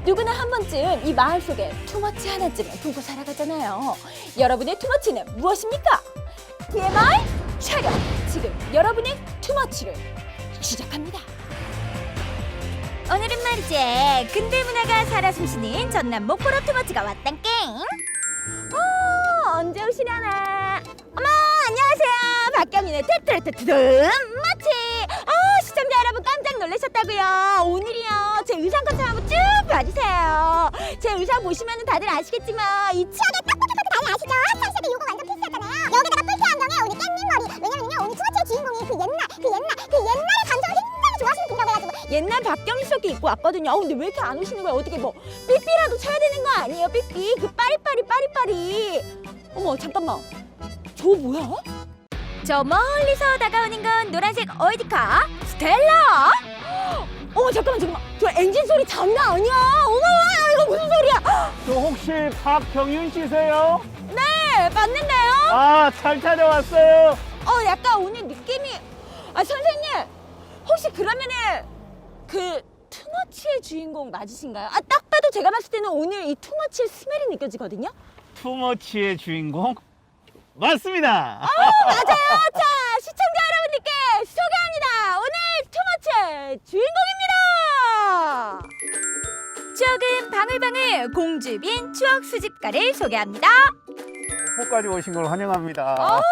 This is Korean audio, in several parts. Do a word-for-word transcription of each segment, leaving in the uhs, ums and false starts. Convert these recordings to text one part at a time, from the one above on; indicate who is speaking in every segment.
Speaker 1: 누구나 한 번쯤 이 마을 속에 투머치 하나쯤은 보고 살아가잖아요. 여러분의 투머치는 무엇입니까? 티엠아이 촬영! 지금 여러분의 투머치를 시작합니다.
Speaker 2: 오늘은 말이지 근대 문화가 살아 숨쉬는 전남 목포로 투머치가 왔단 깽.
Speaker 1: 어, 언제 오시려나? 어머, 안녕하세요. 박경인의 테트레테트듬 머치. 아, 시청자 여러분 깜짝 놀라셨다고요. 오늘이요 제 의상 컨셉 한번 쭉 봐주세요. 제 의상 보시면 다들 아시겠지만 이 치아가 빡빡해서 다들 아시죠? 사실은 이거 완전 필수였잖아요. 여기다가 뿔테 안경에 오늘 깻잎 머리. 왜냐면요 오늘 투머치의 주인공이 그 옛날 그 옛날 그 옛날의 감성을 굉장히 좋아하시는 분이라고 해가지고 옛날 박경희 씨께 입고 왔거든요. 어, 근데 왜 이렇게 안 오시는 거야? 어떻게 뭐 삐삐라도 쳐야 되는 거 아니에요? 삐삐 그 빠리빠리 빠리빠리. 어머 잠깐만, 저 뭐야?
Speaker 2: 저 멀리서 다가오는 건 노란색 어디카 스텔라.
Speaker 1: 어머 잠깐만 잠깐만, 저 엔진 소리 장난 아니야. 어머 이거 무슨 소리야?
Speaker 3: 저 혹시 박경윤 씨세요?
Speaker 1: 네 맞는데요?
Speaker 3: 아, 잘 찾아왔어요.
Speaker 1: 어 약간 오늘 느낌이, 아 선생님 혹시 그러면은 그 투머치의 주인공 맞으신가요? 아 딱 봐도 제가 봤을 때는 오늘 이 투머치의 스멜이 느껴지거든요.
Speaker 3: 투머치의 주인공? 맞습니다.
Speaker 1: 어 맞아요. 자 시청자 여러분들께 소개합니다. 오늘 투머치의 주인공입니다.
Speaker 2: 추억은 방울방울 공주빈 추억 수집가를 소개합니다.
Speaker 3: 목포까지 오신 걸 환영합니다.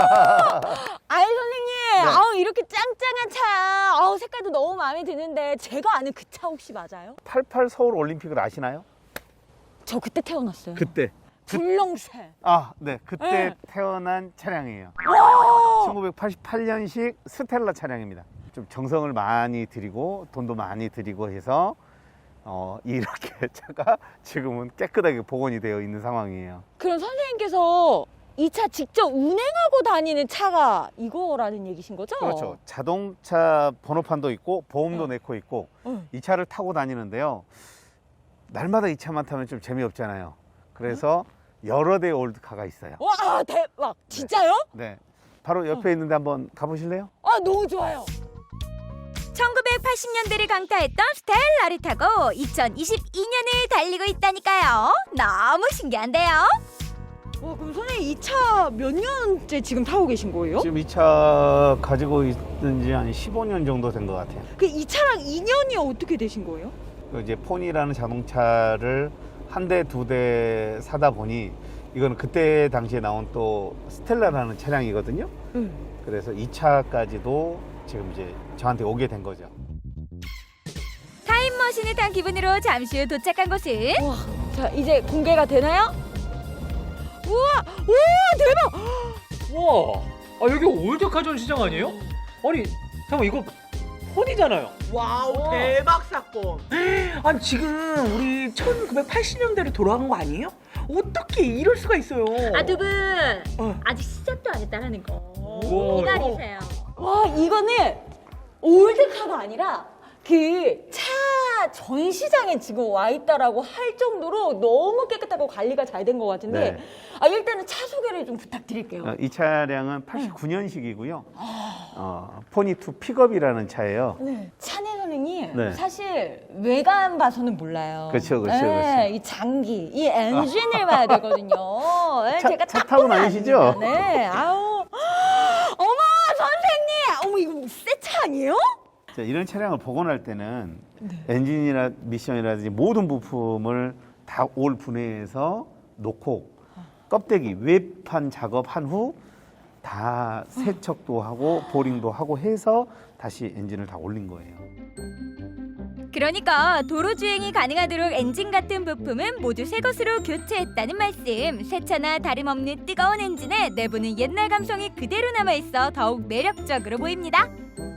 Speaker 1: 아이 선생님,
Speaker 3: 네.
Speaker 1: 아우 이렇게 짱짱한 차, 아우 색깔도 너무 마음에 드는데 제가 아는 그 차 혹시 맞아요?
Speaker 3: 팔십팔 서울 올림픽을 아시나요?
Speaker 1: 저 그때 태어났어요.
Speaker 3: 그때.
Speaker 1: 불렁새.
Speaker 3: 아, 네. 그때
Speaker 1: 네.
Speaker 3: 태어난 차량이에요.
Speaker 1: 와!
Speaker 3: 천구백팔십팔 년식 스텔라 차량입니다. 좀 정성을 많이 들이고 돈도 많이 들이고 해서 어, 이렇게 차가 지금은 깨끗하게 복원이 되어 있는 상황이에요.
Speaker 1: 그럼 선생님께서 이 차 직접 운행하고 다니는 차가 이거라는 얘기신 거죠?
Speaker 3: 그렇죠. 자동차 번호판도 있고 보험도
Speaker 1: 네.
Speaker 3: 내고 있고
Speaker 1: 응.
Speaker 3: 이 차를 타고 다니는데요. 날마다 이 차만 타면 좀 재미없잖아요. 그래서 여러 대의 올드카가 있어요.
Speaker 1: 와 대박! 진짜요?
Speaker 3: 네. 바로 옆에 있는데 한번 가보실래요?
Speaker 1: 아 너무 좋아요.
Speaker 2: 천구백팔십 년대를 강타했던 스텔라를 타고 이천이십이 년을 달리고 있다니까요. 너무 신기한데요.
Speaker 1: 와 그럼 선생님 이 차 몇 년째 지금 타고 계신 거예요?
Speaker 3: 지금 이 차 가지고 있는 지 한 십오 년 정도 된 것 같아요.
Speaker 1: 그 이 차랑 인연이 어떻게 되신 거예요?
Speaker 3: 그 이제 폰이라는 자동차를 한 대, 두 대 사다 보니 이거는 그때 당시에 나온 또 스텔라라는 차량이거든요.
Speaker 1: 응.
Speaker 3: 그래서 이 차까지도 지금 이제 저한테 오게 된 거죠.
Speaker 2: 타임머신을 탄 기분으로 잠시 후 도착한 곳은
Speaker 1: 와, 자 이제 공개가 되나요? 우와, 우와 대박!
Speaker 4: 와, 아 여기 올드카 전시장 아니에요? 아니, 잠깐 이거 폰이잖아요.
Speaker 5: 와우 대박 사건. 아니 지금 우리 천구백팔십 년대로 돌아간 거 아니에요? 어떻게 이럴 수가 있어요?
Speaker 2: 아 두 분
Speaker 5: 어.
Speaker 2: 아직 시작도 안 했다라는 거
Speaker 4: 우와.
Speaker 2: 기다리세요.
Speaker 1: 와 이거는 올드카가 아니라 그 차 전시장에 지금 와 있다라고 할 정도로 너무 깨끗하고 관리가 잘 된 것 같은데
Speaker 3: 네.
Speaker 1: 아 일단은 차 소개를 좀 부탁드릴게요.
Speaker 3: 어, 이 차량은 팔십구 년식이고요. 어, 포니투 픽업이라는 차예요.
Speaker 1: 네. 차내 선생님
Speaker 3: 네.
Speaker 1: 사실 외관 봐서는 몰라요.
Speaker 3: 그렇죠, 그렇죠,
Speaker 1: 네,
Speaker 3: 그렇죠.
Speaker 1: 이 장기, 이 엔진을 봐야 되거든요. 네,
Speaker 3: 차-
Speaker 1: 제가
Speaker 3: 차
Speaker 1: 딱
Speaker 3: 타고
Speaker 1: 보면
Speaker 3: 다니시죠?
Speaker 1: 압니다. 네, 아우, 어머 선생님, 어머 이거 새 차 아니에요?
Speaker 3: 자, 이런 차량을 복원할 때는
Speaker 1: 네.
Speaker 3: 엔진이나 미션이라든지 모든 부품을 다 올 분해해서 놓고 껍데기 외판 작업한 후 다 세척도 하고 보링도 하고 해서 다시 엔진을 다 올린 거예요.
Speaker 2: 그러니까 도로 주행이 가능하도록 엔진 같은 부품은 모두 새 것으로 교체했다는 말씀. 새 차나 다름없는 뜨거운 엔진에 내부는 옛날 감성이 그대로 남아있어 더욱 매력적으로 보입니다.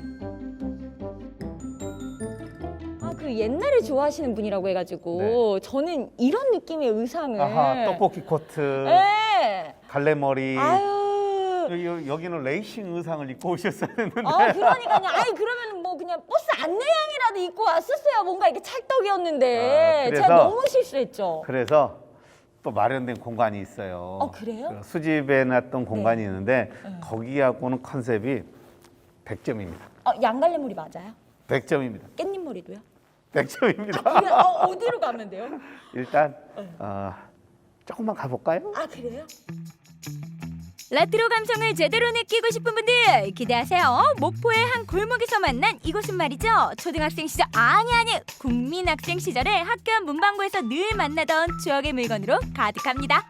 Speaker 1: 아, 그 옛날에 좋아하시는 분이라고 해가지고 저는 이런 느낌의 의상을.
Speaker 3: 아하, 떡볶이 코트,
Speaker 1: 네.
Speaker 3: 갈래머리.
Speaker 1: 아유.
Speaker 3: 여기, 여기는 레이싱 의상을 입고 오셨어야 했는데.
Speaker 1: 아 그러니까요. 아니 그러면 뭐 그냥 버스 안내양이라도 입고 왔었어요. 뭔가 이렇게 찰떡이었는데
Speaker 3: 아, 그래서-
Speaker 1: 제가 너무 실수했죠.
Speaker 3: 그래서 또 마련된 공간이 있어요.
Speaker 1: 어, 그래요?
Speaker 3: 그 수집해놨던 공간이 있는데
Speaker 1: 네.
Speaker 3: 거기하고는 컨셉이 백 점입니다.
Speaker 1: 어, 양갈래물이 맞아요?
Speaker 3: 백 점입니다.
Speaker 1: 깻잎머리도요?
Speaker 3: 백 점입니다.
Speaker 1: 그래, 어, 어디로 가면 돼요?
Speaker 3: 일단 어, 조금만 가볼까요?
Speaker 1: 아 그래요?
Speaker 2: 레트로 감성을 제대로 느끼고 싶은 분들 기대하세요. 목포의 한 골목에서 만난 이곳은 말이죠. 초등학생 시절 아니 아니 국민학생 시절에 학교 앞 문방구에서 늘 만나던 추억의 물건으로 가득합니다.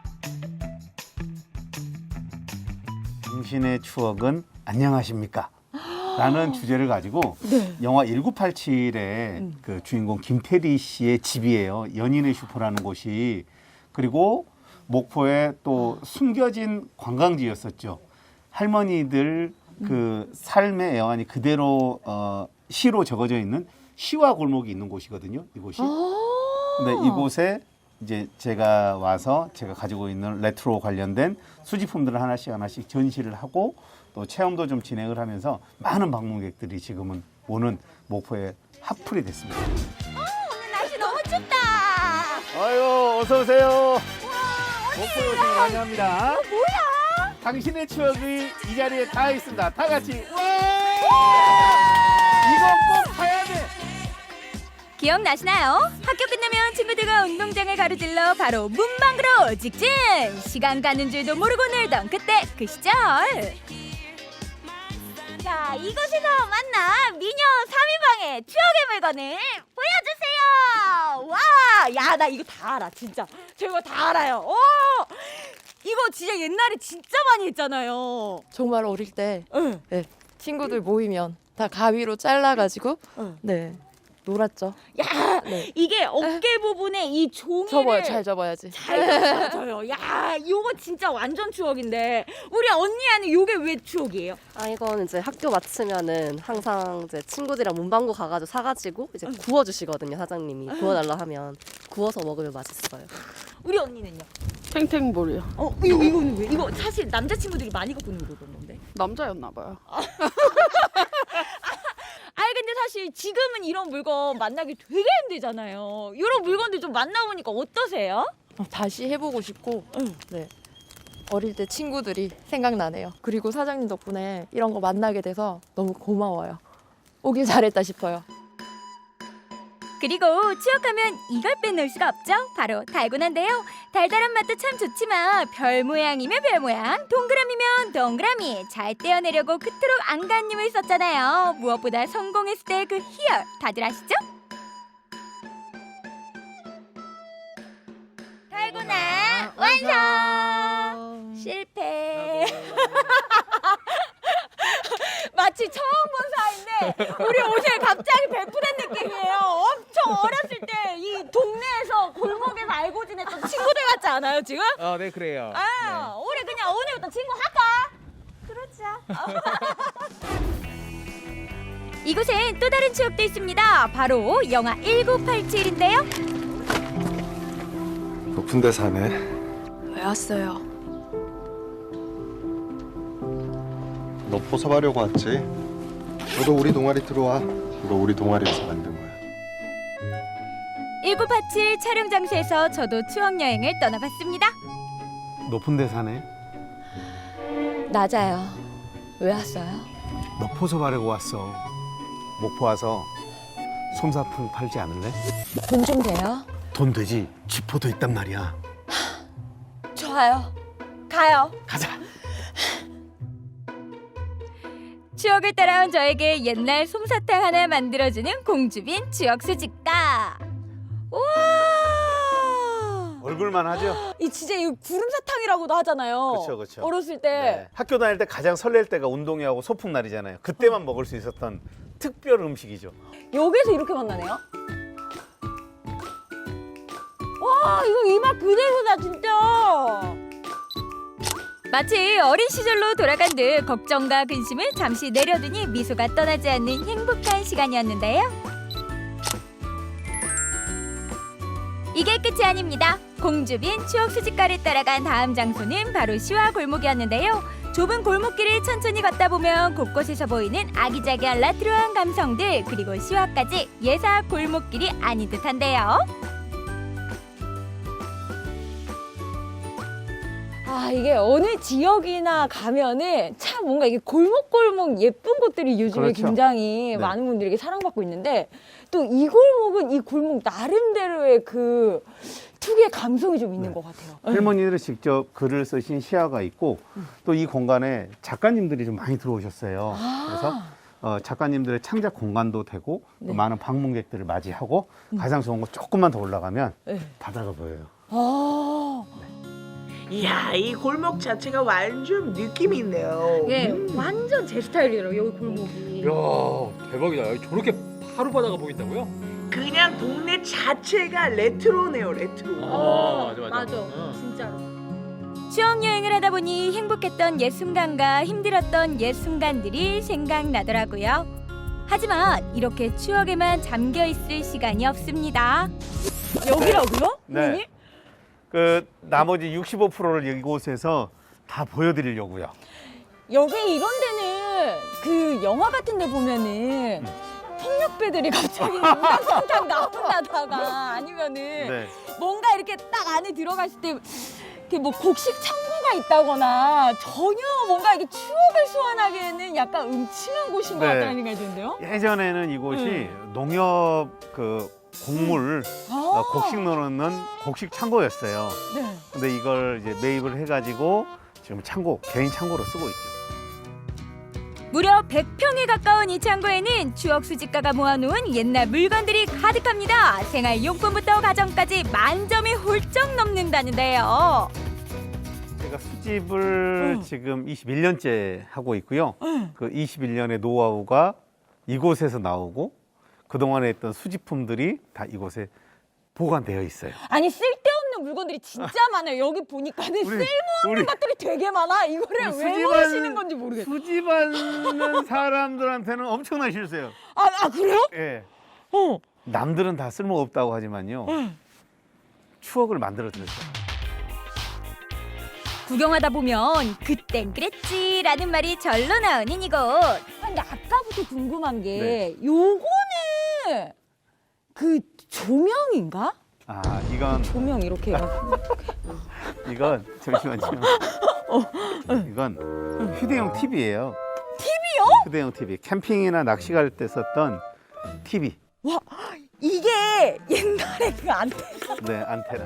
Speaker 3: 당신의 추억은 안녕하십니까? 라는 주제를 가지고 영화 천구백팔십칠의 그 주인공 김태리 씨의 집이에요. 연인의 슈퍼라는 곳이. 그리고 목포에 또 숨겨진 관광지였었죠. 할머니들 그 삶의 애환이 그대로 어, 시로 적어져 있는 시와 골목이 있는 곳이거든요. 이곳이. 근데 이곳에 이제 제가 와서 제가 가지고 있는 레트로 관련된 수집품들을 하나씩 하나씩 전시를 하고 또 체험도 좀 진행을 하면서 많은 방문객들이 지금은 오는 목포에 핫플이 됐습니다.
Speaker 1: 오늘 날씨 너무 춥다.
Speaker 3: 아유, 어서 오세요. 목포에 오신 걸 환영합니다.
Speaker 1: 뭐야?
Speaker 3: 당신의 추억이 이 자리에 다 있습니다. 다 같이. 이거 꼭 봐야 돼.
Speaker 2: 기억나시나요? 학교 끝나면 친구들과 운동장을 가로질러 바로 문방구로 직진! 시간 가는 줄도 모르고 놀던 그때 그 시절!
Speaker 1: 자, 이곳에서 만난 미녀 삼 인방의 추억의 물건을 보여주세요. 와, 야, 나 이거 다 알아, 진짜. 저 이거 다 알아요. 오, 이거 진짜 옛날에 진짜 많이 했잖아요.
Speaker 6: 정말 어릴 때
Speaker 1: 응.
Speaker 6: 네, 친구들 모이면 다 가위로 잘라가지고
Speaker 1: 응.
Speaker 6: 네 놀았죠.
Speaker 1: 야,
Speaker 6: 네.
Speaker 1: 이게 어깨 부분에 이 종이를
Speaker 6: 접어요, 잘 접어야지.
Speaker 1: 잘 접어요. 야, 이거 진짜 완전 추억인데 우리 언니한테 이게 왜 추억이에요?
Speaker 7: 아 이건 이제 학교 마치면은 항상 이제 친구들이랑 문방구 가가지고 사가지고 이제 구워주시거든요 사장님이 구워달라 하면 구워서 먹으면 맛있어요.
Speaker 1: 우리 언니는요?
Speaker 8: 탱탱볼이요.
Speaker 1: 어, 이거 이거는 왜? 이거 사실 남자친구들이 많이 갖고 있는 물건인데.
Speaker 8: 남자였나 봐요.
Speaker 1: 아니 근데 사실 지금은 이런 물건 만나기 되게 힘들잖아요. 이런 물건들 좀 만나보니까 어떠세요?
Speaker 6: 어, 다시 해보고 싶고
Speaker 1: 응.
Speaker 6: 네 어릴 때 친구들이 생각나네요. 그리고 사장님 덕분에 이런 거 만나게 돼서 너무 고마워요. 오길 잘했다 싶어요.
Speaker 2: 그리고 추억하면 이걸 빼놓을 수가 없죠. 바로 달고나인데요. 달달한 맛도 참 좋지만 별 모양이면 별 모양, 동그라미면 동그라미 잘 떼어내려고 그토록 안간힘을 썼잖아요. 무엇보다 성공했을 때 그 희열 다들 아시죠?
Speaker 1: 달고나 완성! 실패. 마치 처음 본 사이인데 우리 오늘 갑자기 베푸는 느낌이에요. 엄청 어렸을 때 이 동네에서 골목에서 알고 지냈던 친구들 같지 않아요 지금?
Speaker 9: 어, 네 그래요.
Speaker 1: 아, 우리 그냥 오늘부터 친구 할까? 그렇죠.
Speaker 2: 이곳엔 또 다른 추억도 있습니다. 바로 영화 천구백팔십칠인데요.
Speaker 10: 높은 데 사네.
Speaker 8: 왜 왔어요?
Speaker 10: 너 포섭하려고 왔지? 너도 우리 동아리 들어와. 이거 우리 동아리에서 만든 거야.
Speaker 2: 천구백팔십칠 촬영 장소에서 저도 추억 여행을 떠나봤습니다.
Speaker 3: 높은 데 사네.
Speaker 6: 낮아요. 왜 왔어요?
Speaker 3: 너 포섭하려고 왔어. 목포 와서 솜사탕 팔지 않을래?
Speaker 6: 돈 좀 돼요?
Speaker 3: 돈 되지. 쥐포도 있단 말이야.
Speaker 6: 좋아요.
Speaker 1: 가요.
Speaker 3: 가자.
Speaker 2: 추억을 따라온 저에게 옛날 솜사탕 하나 만들어주는 공주빈 추억 수집가. 우와!
Speaker 3: 얼굴만 하죠?
Speaker 1: 이 진짜 이 구름사탕이라고도 하잖아요.
Speaker 3: 그쵸, 그쵸.
Speaker 1: 어렸을 때.
Speaker 3: 네. 학교 다닐 때 가장 설렐 때가 운동회하고 소풍날이잖아요. 그때만 먹을 수 있었던 특별 음식이죠.
Speaker 1: 여기서 이렇게 만나네요. 와, 이거 이 맛 그대로다 진짜.
Speaker 2: 마치 어린 시절로 돌아간 듯 걱정과 근심을 잠시 내려두니 미소가 떠나지 않는 행복한 시간이었는데요. 이게 끝이 아닙니다. 공주빈 추억 수집가를 따라간 다음 장소는 바로 시와 골목이었는데요. 좁은 골목길을 천천히 걷다 보면 곳곳에서 보이는 아기자기한 레트로한 감성들, 그리고 시와까지 예사 골목길이 아닌 듯한데요.
Speaker 1: 아, 이게 어느 지역이나 가면은 참 뭔가 이게 골목골목 예쁜 곳들이 요즘에
Speaker 3: 그렇죠.
Speaker 1: 굉장히
Speaker 3: 네.
Speaker 1: 많은 분들에게 사랑받고 있는데 또 이 골목은 이 골목 나름대로의 그 특유의 감성이 좀 있는
Speaker 3: 네.
Speaker 1: 것 같아요.
Speaker 3: 할머니들이 직접 글을 쓰신 시야가 있고 또 이 공간에 작가님들이 좀 많이 들어오셨어요. 그래서 어, 작가님들의 창작 공간도 되고 또
Speaker 1: 네.
Speaker 3: 많은 방문객들을 맞이하고 가장 좋은 거 조금만 더 올라가면
Speaker 1: 네.
Speaker 3: 바다가 보여요.
Speaker 1: 아,
Speaker 5: 이야, 이 골목 자체가 완전 느낌이 있네요.
Speaker 1: 예,
Speaker 5: 음.
Speaker 1: 완전 제 스타일이더라고요, 여기 골목이.
Speaker 4: 야 대박이다. 저렇게 하루 바다가 보인다고요?
Speaker 5: 그냥 동네 자체가 레트로네요, 레트로.
Speaker 4: 아, 맞아, 맞아. 응.
Speaker 1: 진짜로.
Speaker 2: 추억 여행을 하다 보니 행복했던 옛 순간과 힘들었던 옛 순간들이 생각나더라고요. 하지만 이렇게 추억에만 잠겨 있을 시간이 없습니다.
Speaker 1: 여기라고요?
Speaker 3: 네. 그 나머지 육십오 퍼센트를 이곳에서 다 보여드리려고요.
Speaker 1: 여기 이런 데는 그 영화 같은 데 보면은 폭력배들이 갑자기 우당탕탕 나온다다가 아니면은
Speaker 3: 네.
Speaker 1: 뭔가 이렇게 딱 안에 들어갔을 때 이렇게 뭐 곡식 창고가 있다거나 전혀 뭔가 이게 추억을 소환하기에는 약간 음침한 곳인 것
Speaker 3: 네.
Speaker 1: 같다는 생각이 드는데요.
Speaker 3: 예전에는 이곳이
Speaker 1: 음.
Speaker 3: 농협 그 곡물
Speaker 1: 아,
Speaker 3: 어, 곡식 넣는 곡식 창고였어요.
Speaker 1: 네.
Speaker 3: 근데 이걸 이제 매입을 해가지고 지금 창고 개인 창고로 쓰고 있죠.
Speaker 2: 무려 백 평에 가까운 이 창고에는 추억 수집가가 모아놓은 옛날 물건들이 가득합니다. 생활용품부터 가전까지 만점이 훌쩍 넘는다는데요.
Speaker 3: 제가 수집을
Speaker 1: 응.
Speaker 3: 지금 이십일 년째 하고 있고요. 그 이십일 년의 노하우가 이곳에서 나오고 그동안에 했던 수집품들이 다 이곳에 보관되어 있어요.
Speaker 1: 아니 쓸데없는 물건들이 진짜 많아요. 여기 보니까는
Speaker 3: 우리-
Speaker 1: 쓸모없는
Speaker 3: 우리-
Speaker 1: 것들이 되게 많아. 이거를
Speaker 3: 우리
Speaker 1: 왜
Speaker 3: 수집하는-
Speaker 1: 모으시는 건지 모르겠어.
Speaker 3: 수집하는 사람들한테는 엄청난 실수예요.
Speaker 1: 아, 아 그래요?
Speaker 3: 예.
Speaker 1: 어.
Speaker 3: 남들은 다 쓸모 없다고 하지만요.
Speaker 1: 응.
Speaker 3: 추억을 만들어 드렸어요.
Speaker 2: 구경하다 보면 그땐 그랬지라는 말이 절로 나오는 이곳.
Speaker 1: 아, 근데 아까부터 궁금한 게 요거는 그 조명인가?
Speaker 3: 아 이건
Speaker 1: 조명 이렇게 해가지고.
Speaker 3: 이건 잠시만요. 이건 휴대용 티비예요.
Speaker 1: 티비요?
Speaker 3: 휴대용 티비. 캠핑이나 낚시 갈 때 썼던 티비.
Speaker 1: 와 이게 옛날에 그 안테나.
Speaker 3: 네, 안테나.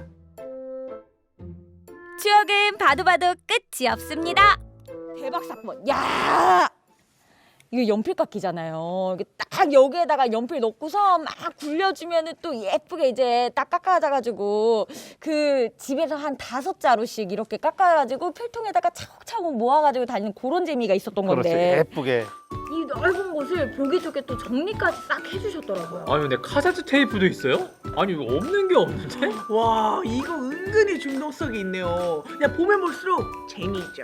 Speaker 2: 추억은 봐도 봐도 끝이 없습니다.
Speaker 1: 대박 사건. 야 이거 연필깎이잖아요. 이게 딱 여기에다가 연필 넣고서 막 굴려주면은 또 예쁘게 이제 딱 깎아가지고 그 집에서 한 다섯 자루씩 이렇게 깎아가지고 필통에다가 차곡차곡 모아가지고 다니는 그런 재미가 있었던
Speaker 3: 그렇죠.
Speaker 1: 건데
Speaker 3: 예쁘게.
Speaker 1: 이 넓은 곳을 보기 좋게 또 정리까지 싹 해주셨더라고요.
Speaker 4: 아니 근데 카세트 테이프도 있어요? 아니 이거 없는 게 없는데?
Speaker 5: 와, 이거 은근히 중독성이 있네요. 그냥 보면 볼수록 재미있죠.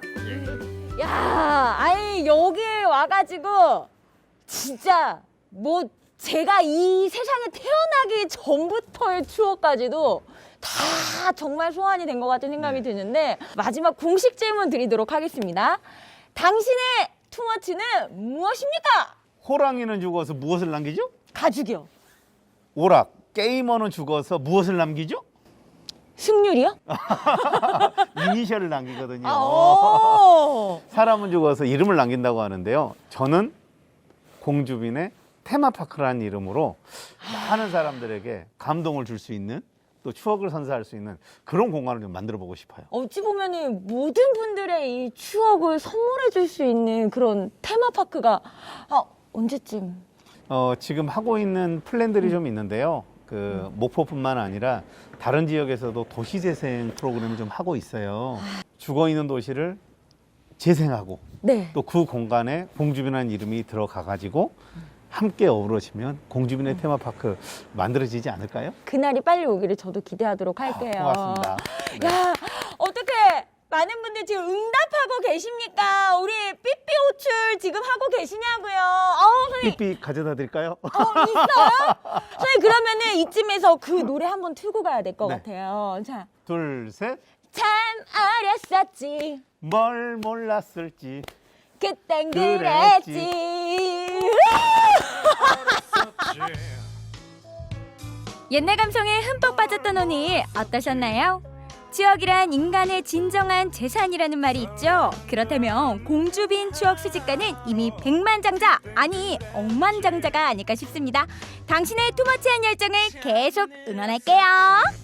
Speaker 1: 야, 아니 여기에 와가지고 진짜 뭐 제가 이 세상에 태어나기 전부터의 추억까지도 다 정말 소환이 된 것 같은 생각이 드는데 마지막 공식 질문 드리도록 하겠습니다. 당신의 투머치는 무엇입니까?
Speaker 3: 호랑이는 죽어서 무엇을 남기죠?
Speaker 1: 가죽이요.
Speaker 3: 오락. 게이머는 죽어서 무엇을 남기죠?
Speaker 1: 승률이요?
Speaker 3: 이니셜을 남기거든요.
Speaker 1: 아, 오.
Speaker 3: 사람은 죽어서 이름을 남긴다고 하는데요. 저는 공주빈의 테마파크라는 이름으로 많은 사람들에게 감동을 줄 수 있는 또 추억을 선사할 수 있는 그런 공간을 좀 만들어 보고 싶어요.
Speaker 1: 어찌 보면은 모든 분들의 이 추억을 선물해 줄 수 있는 그런 테마파크가 아, 언제쯤?
Speaker 3: 어, 지금 하고 있는 플랜들이 좀 있는데요. 그 목포뿐만 아니라 다른 지역에서도 도시재생 프로그램을 좀 하고 있어요. 죽어 있는 도시를 재생하고
Speaker 1: 네.
Speaker 3: 또 그 공간에 공주빈이라는 이름이 들어가 가지고 함께 어우러지면 공주빈의 테마파크 만들어지지 않을까요?
Speaker 1: 그날이 빨리 오기를 저도 기대하도록 할게요.
Speaker 3: 고맙습니다. 네.
Speaker 1: 야, 어떻게 많은 분들 지금 응답하고 계십니까? 우리 삐삐 호출 지금 하고 계시냐고요? 어, 선생님,
Speaker 3: 삐삐 가져다 드릴까요?
Speaker 1: 어, 있어요? 선생님 그러면은 이쯤에서 그 노래 한번 틀고 가야 될 것
Speaker 3: 네.
Speaker 1: 같아요. 자,
Speaker 3: 둘, 셋.
Speaker 1: 참 어렸었지.
Speaker 3: 뭘 몰랐을지.
Speaker 1: 그땐
Speaker 3: 그랬지.
Speaker 1: 그랬지.
Speaker 2: 옛날 감성에 흠뻑 빠졌던 오늘 어떠셨나요? 추억이란 인간의 진정한 재산이라는 말이 있죠. 그렇다면 공주빈 추억 수집가는 이미 백만장자, 아니 억만장자가 아닐까 싶습니다. 당신의 투머치한 열정을 계속 응원할게요.